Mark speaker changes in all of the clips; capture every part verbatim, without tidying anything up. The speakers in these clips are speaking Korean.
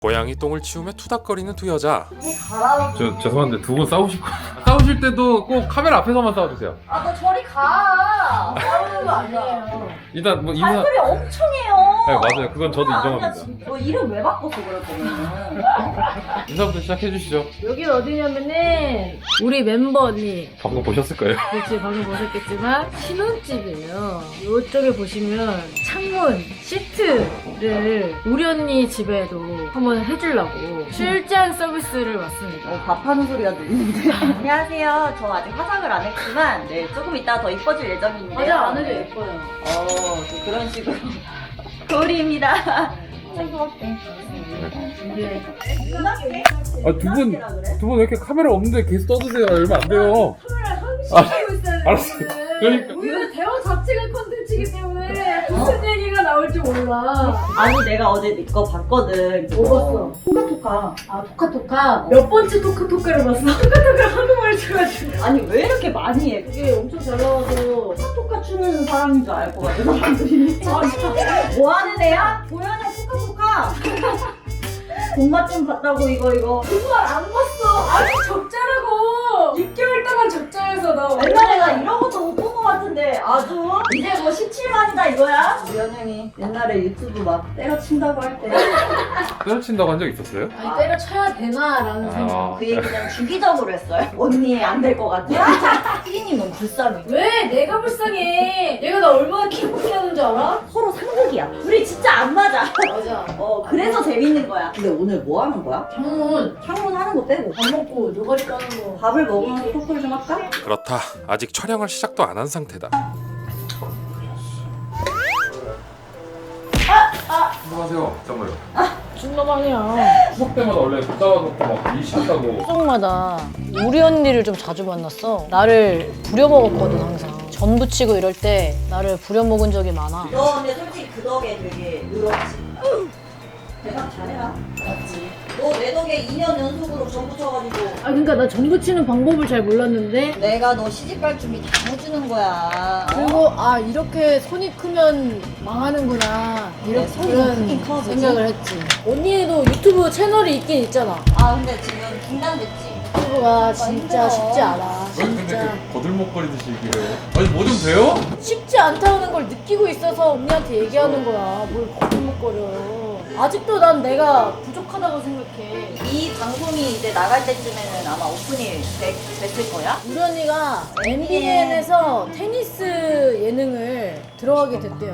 Speaker 1: 고양이 똥을 치우며 투닥거리는 두 여자.
Speaker 2: 저 죄송한데 두 분 싸우실 거 싸우실 때도 꼭 카메라 앞에서만 싸워주세요.
Speaker 3: 아, 너 저리 가. 싸우는 거 아니에요.
Speaker 2: 일단 뭐 인사.
Speaker 3: 발소리 엄청 해요.
Speaker 2: 네 맞아요. 그건 저도
Speaker 3: 아니야,
Speaker 2: 인정합니다.
Speaker 3: 진짜. 너 이름 왜 바꿨어, 그럴 거면.
Speaker 2: 인사부터 시작해 주시죠.
Speaker 4: 여기 어디냐면은 우리 멤버 언니
Speaker 2: 방금 보셨을 거예요.
Speaker 4: 그렇지 방금 보셨겠지만 신혼집이에요. 이쪽에 보시면 창문 시트를 우리 언니 집에도 한번 해주려고 출장 서비스를 왔습니다.
Speaker 3: 어, 밥하는 소리가 들리는데. 안녕하세요. 저 아직 화장을 안 했지만, 네, 조금 이따가 더 이뻐질 예정인데요.
Speaker 4: 화장 안 해도 예뻐요.
Speaker 3: 어, 또 그런 식으로. 거울입니다. 생각할게.
Speaker 4: 이제
Speaker 2: 아 두 분 두 분 왜 이렇게 카메라 없는데 계속 떠드세요? 이러면 안 돼요. 아, 알았어요. 그러니까
Speaker 4: 우리는 대화 자체가 컨텐츠이기 때문에 무슨 얘기가 나올지 몰라.
Speaker 3: 아니, 내가 어제 네 거 봤거든.
Speaker 4: 뭐 봤어?
Speaker 3: 토카토카.
Speaker 4: 아 토카토카 몇 번째 토카토카를 봤어? 토카토카를 한국말을 쳐가지고
Speaker 3: 아니, 왜 이렇게 많이 해?
Speaker 4: 그게 엄청 잘 나와서
Speaker 3: 토카토카 추는 사람인 줄 알 것 같아, 사람들이. 뭐 하는 애야? 보현이 토카토카. 본맛 좀 봤다고, 이거, 이거.
Speaker 4: 정말 안 봤어. 아니 적자라고. 육 개월 동안 적자여서 나
Speaker 3: 옛날에 나 이런 것도 못 본 것 같은데 아주 이제 뭐 십칠만이다 이거야? 우리 현영이 옛날에 유튜브 막 때려친다고 할 때 그
Speaker 2: 때려친다고 한 적 있었어요?
Speaker 4: 아니 때려쳐야 되나라는 생각.
Speaker 2: 아,
Speaker 3: 얘기 그냥 주기적으로 했어요. 언니 안 될 것 같아. 피디님 너무 불쌍해.
Speaker 4: 왜 내가 불쌍해? 얘가 나 얼마나 기쁘게 하는 줄 알아?
Speaker 3: 서로 상극이야. 우리 진짜 안 맞아.
Speaker 4: 맞아.
Speaker 3: 어 그래서 재밌는 거야. 근데 오늘 뭐 하는 거야?
Speaker 4: 창문
Speaker 3: 창문 하는 거 빼고
Speaker 4: 밥 먹고 노가리 까는 거.
Speaker 3: 밥을 먹으면서 토크를 좀 할까?
Speaker 1: 그렇다. 아직 촬영을 시작도 안 한 상태다.
Speaker 2: 안녕하세요. 잠깐만요.
Speaker 4: 중마방이야.
Speaker 2: 추석 때마다 원래 붙잡아놓고 막 일시한다고.
Speaker 5: 추석마다 우리 언니를 좀 자주 만났어. 나를 부려먹었거든 항상. 전 부치고 이럴 때 나를 부려먹은 적이 많아.
Speaker 3: 너 근데 솔직히 그 덕에 되게 늘었지. 대박 잘해라. 맞지. 너 내 덕에 이 년 연속으로 전 붙여가지고
Speaker 4: 아 그러니까 나 전부 치는 방법을 잘 몰랐는데
Speaker 3: 내가 너 시집갈 준비 다 해주는 거야.
Speaker 4: 그리고 아 이렇게 손이 크면 망하는구나 이런
Speaker 3: 네, 손이
Speaker 4: 그런
Speaker 3: 크긴 커, 그치?
Speaker 4: 생각을 했지. 언니도 유튜브 채널이 있긴 있잖아.
Speaker 3: 아 근데 지금 긴장됐지?
Speaker 4: 유튜브가 진짜
Speaker 3: 힘들어.
Speaker 4: 쉽지 않아.
Speaker 2: 왜 근데
Speaker 4: 진짜
Speaker 2: 그 거들먹거리듯이 얘기를 해요? 아니 뭐 좀 돼요?
Speaker 4: 쉽지 않다는 걸 느끼고 있어서 언니한테 얘기하는 거야. 뭘 거짓말거려. 아직도 난 내가 부족하다고 생각해.
Speaker 3: 이 방송이 이제 나갈 때쯤에는 아마 오픈이 되, 됐을 거야?
Speaker 4: 우리 언니가 엠비엔에서 테니스 예능을 들어가게 됐대요.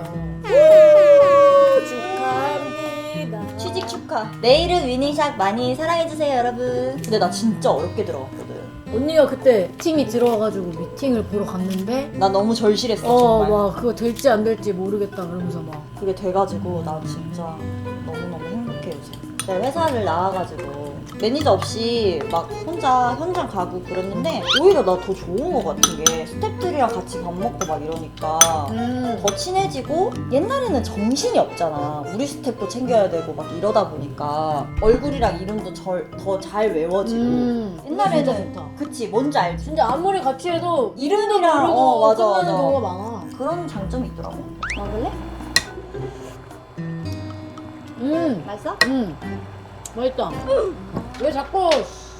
Speaker 4: 축하합니다.
Speaker 3: 취직 축하. 내일은 위닝샷 많이 사랑해주세요 여러분. 근데 나 진짜 어렵게 들어갔거든.
Speaker 4: 언니가 그때 팀이 들어와가지고 미팅을 보러 갔는데
Speaker 3: 나 너무 절실했어
Speaker 4: 어,
Speaker 3: 정말.
Speaker 4: 막 그거 될지 안 될지 모르겠다 그러면서 막
Speaker 3: 그게 돼가지고 나 진짜 너무너무 행복해 요새. 내가 회사를 나와가지고 매니저 없이 막 혼자 현장 가고 그랬는데 오히려 나 더 좋은 거 같은 게 스태프들이랑 같이 밥 먹고 막 이러니까
Speaker 4: 음.
Speaker 3: 더 친해지고 옛날에는 정신이 없잖아. 우리 스텝도 챙겨야 되고 막 이러다 보니까 얼굴이랑 이름도 더 잘 외워지고
Speaker 4: 음.
Speaker 3: 옛날에는
Speaker 4: 진짜 좋다.
Speaker 3: 그치 뭔지 알지?
Speaker 4: 진짜 아무리 같이 해도
Speaker 3: 이름이랑
Speaker 4: 모르고
Speaker 3: 어 맞아
Speaker 4: 끝나는
Speaker 3: 맞아
Speaker 4: 경우가 많아.
Speaker 3: 그런 장점이 있더라고. 먹을래?
Speaker 4: 음.
Speaker 3: 맛있어?
Speaker 4: 음. 맛있다. 왜 자꾸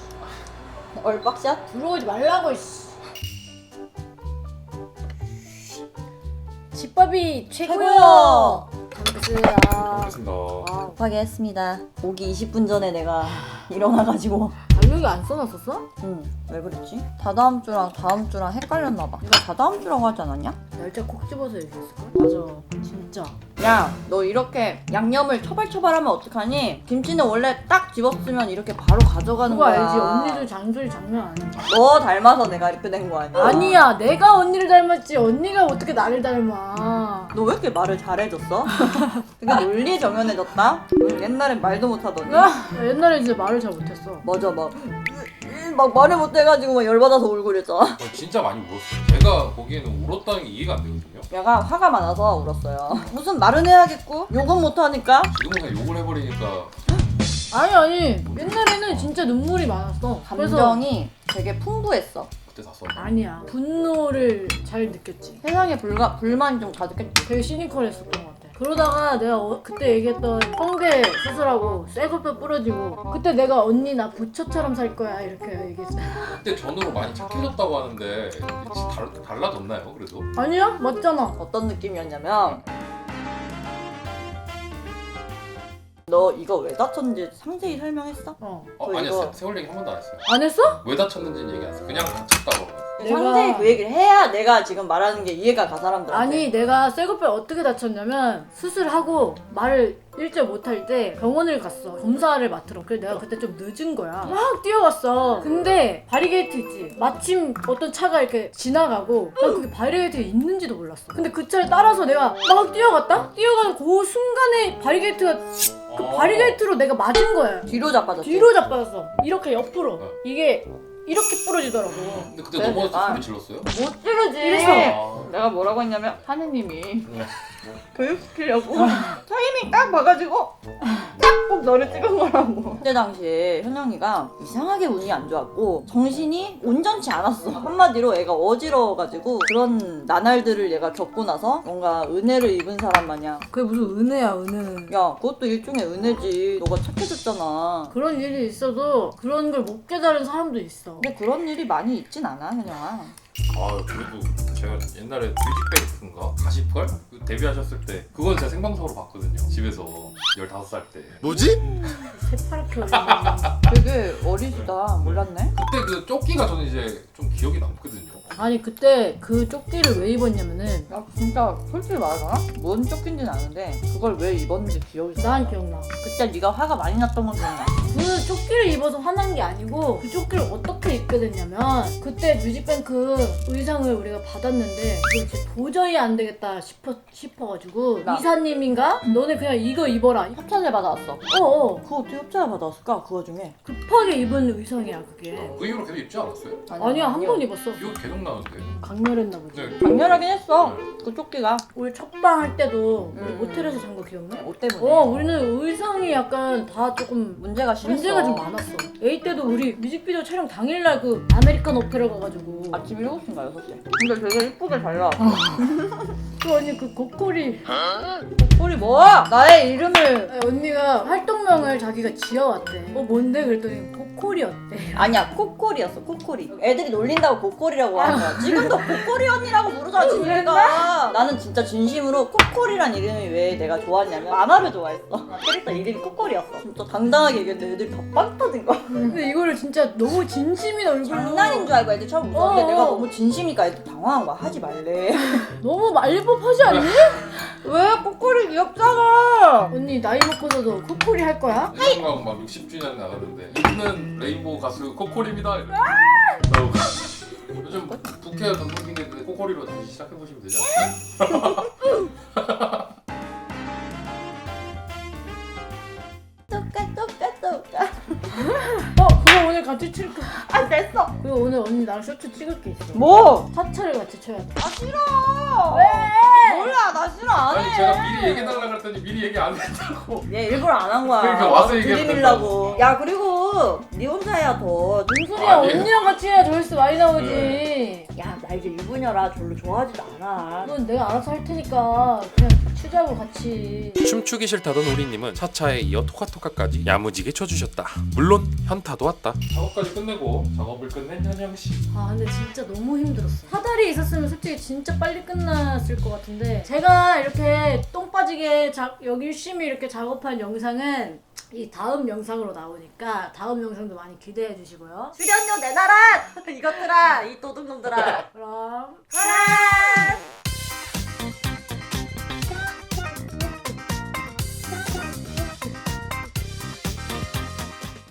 Speaker 3: 얼박샷?
Speaker 4: 들어오지 말라고 씨. 집밥이 최고요. 감사합니다.
Speaker 2: 알겠습니다.
Speaker 3: 아, 급하게 했습니다. 오기 이십 분 전에 내가 일어나가지고.
Speaker 4: 달력이 안 써놨었어?
Speaker 3: 응, 왜 그랬지? 다다음 주랑 다음 주랑 헷갈렸나봐. 내가 다다음 주라고 하지 않았냐?
Speaker 4: 날짜 콕 집어서 얘기했을걸? 맞아. 진짜.
Speaker 3: 야, 너 이렇게 양념을 처발처발하면 어떡하니? 김치는 원래 딱 집었으면 이렇게 바로 가져가는
Speaker 4: 그거
Speaker 3: 거야.
Speaker 4: 알지? 언니들 잔소리 장난 아니야.
Speaker 3: 너 닮아서 내가 이렇게 된 거 아니야?
Speaker 4: 아니야. 내가 언니를 닮았지. 언니가 어떻게 나를 닮아.
Speaker 3: 너 왜 이렇게 말을 잘해줬어? 되게 논리 정연해졌다? 응, 옛날엔 말도 못하더니.
Speaker 4: 나 옛날에 진짜 말을 잘 못했어.
Speaker 3: 맞아, 막. 막 말을 못해가지고 막 열받아서 울고 그랬잖아.
Speaker 1: 어, 진짜 많이 울었어요. 제가 보기에는 울었다는 게 이해가 안 되거든요.
Speaker 3: 얘가 화가 많아서 울었어요. 무슨 말은 해야겠고 욕은 못하니까.
Speaker 1: 지금은 그냥 욕을 해버리니까.
Speaker 4: 아니 아니. 옛날에는 진짜 눈물이 많았어. 그래서
Speaker 3: 감정이 되게 풍부했어.
Speaker 1: 그때 샀어.
Speaker 4: 아니야. 분노를 잘 느꼈지.
Speaker 3: 세상에 불가, 불만이 좀 가득했지.
Speaker 4: 되게 시니컬했었던 것 같아. 그러다가 내가 어- 그때 얘기했던 성대 수술하고 쇠고뼈 부러지고 그때 내가 언니 나 부처처럼 살 거야 이렇게 얘기했어.
Speaker 1: 그때 전으로 많이 착해졌다고 하는데 달, 달라졌나요 그래도?
Speaker 4: 아니야? 맞잖아.
Speaker 3: 어떤 느낌이었냐면 너 이거 왜 다쳤는지 상세히 설명했어?
Speaker 4: 어.
Speaker 1: 어
Speaker 3: 그
Speaker 1: 아니요
Speaker 3: 이거-
Speaker 1: 세- 세월 얘기 한 번도 안 했어요.
Speaker 4: 안 했어?
Speaker 1: 왜 다쳤는지는 얘기 안 했어요. 그냥 다쳤다고.
Speaker 4: 내가-
Speaker 3: 상세히 그 얘기를 해야 내가 지금 말하는 게 이해가 가 사람들한테.
Speaker 4: 아니 내가 쇠고뼈 어떻게 다쳤냐면 수술하고 말을 일절 못할 때 병원을 갔어. 검사를 맡으러. 그래 내가 그때 좀 늦은 거야. 막 뛰어갔어. 근데 바리게이트 있지. 마침 어떤 차가 이렇게 지나가고 나 그게 바리게이트가 있는지도 몰랐어. 근데 그 차를 따라서 내가 막 뛰어갔다? 뛰어가는 그 순간에 바리게이트가 그
Speaker 1: 어.
Speaker 4: 바리게이트로 내가 맞은 거야.
Speaker 3: 뒤로 자빠졌지.
Speaker 4: 뒤로 자빠졌어. 이렇게 옆으로.
Speaker 1: 어.
Speaker 4: 이게 이렇게 부러지더라고.
Speaker 1: 근데 그때
Speaker 3: 네,
Speaker 1: 넘어져서
Speaker 3: 아.
Speaker 1: 소리 질렀어요?
Speaker 3: 못 찌르지.
Speaker 4: 이랬어.
Speaker 1: 아.
Speaker 3: 내가 뭐라고 했냐면 하느님이
Speaker 1: 네.
Speaker 3: 교육시키려고 타이밍 딱 봐가지고 딱 꼭 너를 찍은 거라고. 그때 당시에 현영이가 이상하게 운이 안 좋았고 정신이 온전치 않았어. 한마디로 애가 어지러워가지고 그런 나날들을 얘가 겪고 나서 뭔가 은혜를 입은 사람 마냥
Speaker 4: 그게 무슨 은혜야 은혜는.
Speaker 3: 야 그것도 일종의 은혜지. 너가 착해졌잖아.
Speaker 4: 그런 일이 있어도 그런 걸 못 깨달은 사람도 있어.
Speaker 3: 근데 그런 일이 많이 있진 않아 현영아.
Speaker 1: 아 그래도 제가 옛날에 뮤직뱅크인가? 가십걸? 그 데뷔하셨을 때 그건 제가 생방송으로 봤거든요. 집에서 열다섯 살 때.
Speaker 6: 뭐지?
Speaker 4: 새파랗게 어린다.
Speaker 3: 되게 어리시다. 몰랐네.
Speaker 1: 그때 그 조끼가 저는 이제 좀 기억이 남거든요.
Speaker 4: 아니 그때 그 조끼를 왜 입었냐면은
Speaker 3: 야 진짜 솔직히 말하잖아? 뭔 쫓긴지는 아는데 그걸 왜 입었는지 기억이 나.
Speaker 4: 난 기억나.
Speaker 3: 그때 네가 화가 많이 났던 건 기억나.
Speaker 4: 그 조끼를 입어서 화난 게 아니고 그 조끼를 어떻게 입게 됐냐면 그때 뮤직뱅크 의상을 우리가 받았는데 이거 진짜 도저히 안 되겠다 싶어, 싶어가지고
Speaker 3: 나.
Speaker 4: 이사님인가? 너네 그냥 이거 입어라.
Speaker 3: 협찬을 받아왔어.
Speaker 4: 어어
Speaker 3: 그거 어떻게 협찬을 받아왔을까? 그 와중에.
Speaker 4: 급하게 입은 의상이야 그게.
Speaker 1: 그 이후로 계속 입지 않았어요?
Speaker 4: 아니야 한 번 입었어.
Speaker 1: 기억 계속 나는데.
Speaker 4: 강렬했나 보지.
Speaker 1: 네.
Speaker 3: 강렬하긴 했어. 그 조끼가.
Speaker 4: 우리 첫방 할 때도 우리
Speaker 3: 음.
Speaker 4: 모텔에서 잔 거 기억나?
Speaker 3: 옷 때문에.
Speaker 4: 어 우리는 의상이 약간 다 조금
Speaker 3: 문제가 심했어.
Speaker 4: 문제가 좀 많았어. A 때도 우리 뮤직비디오 촬영 당일날 그 아메리칸 오페라 가가지고
Speaker 3: 아침 일곱 시인가 여섯 시. 근데 되게 이쁘게 잘 나왔어.
Speaker 4: 그 언니 그 고코리
Speaker 3: 우리 뭐? 나의 이름을.
Speaker 4: 아니, 언니가 활동명을 자기가 지어왔대. 어 뭔데? 그랬더니 고코리 어때?
Speaker 3: 아니야 코코리였어 코코리. 애들이 놀린다고 코코리라고 하는 거야. 지금도 코코리 언니라고 부르잖아 진이가. 나는 진짜 진심으로 코코리란 이름이 왜 내가 좋았냐면 만화를 좋아했어. 캐릭터 이름이 코코리였어. 진짜 당당하게 얘기했는데 애들이 다 빵 터진 거야.
Speaker 4: 근데 이거를 진짜 너무 진심인 얼굴로
Speaker 3: 장난인 줄 알고 애들 처음 웃었는데
Speaker 4: 어.
Speaker 3: 내가 너무 진심이니까 애들 당황한 거야. 하지 말래.
Speaker 4: 너무 말법하지 않니?
Speaker 3: 왜 코코리 귀엽잖아.
Speaker 4: 언니 나이 먹고서도 코코리 할 거야?
Speaker 1: 일본가고 막 육십 주년 나갔는데 이분은 레인보우 가수 코코리입니다. 이래. 어, 요즘 부캐 전성기인데 코코리로 다시 시작해보시면 되지 않을까요?
Speaker 3: 똑같 똑같 똑같.
Speaker 4: 어 그거 오늘 같이 칠 거.
Speaker 3: 아 됐어.
Speaker 4: 그거 오늘 언니 나랑 쇼트 찍을 게 있어.
Speaker 3: 뭐?
Speaker 4: 사차를 같이 쳐야 돼.
Speaker 3: 아 싫어. 왜? 몰라 나 싫어 안 해.
Speaker 1: 아니 제가 미리 얘기해달라 그랬더니 미리 얘기 안 했다고.
Speaker 3: 얘 일부러 안 한 거야.
Speaker 1: 그러니까 와서 얘기하면
Speaker 3: 들이밀라고. 야 그리고 네 혼자 해야 더.
Speaker 4: 무슨 소리야?
Speaker 1: 아니에요.
Speaker 4: 언니랑 같이 해야 조회수 많이 나오지.
Speaker 1: 네.
Speaker 3: 야 나 이제 유부녀라 별로 좋아하지도 않아.
Speaker 4: 그건 내가 알아서 할 테니까 그냥 추자고 같이.
Speaker 7: 춤추기 싫다던 우리님은 차차에 이어 토카토카까지 야무지게 쳐주셨다. 물론 현타도 왔다.
Speaker 1: 작업까지 끝내고 작업을 끝낸 현영씨.
Speaker 4: 아 근데 진짜 너무 힘들었어. 사다리 있었으면 솔직히 진짜 빨리 끝났을 것 같은데 제가 이렇게 똥 빠지게 자, 여기 열심히 이렇게 작업한 영상은 이 다음 영상으로 나오니까 다음 영상도 많이 기대해 주시고요.
Speaker 3: 출연료 내놔라. 이것들아 이 도둑놈들아.
Speaker 4: 그럼
Speaker 3: 가라.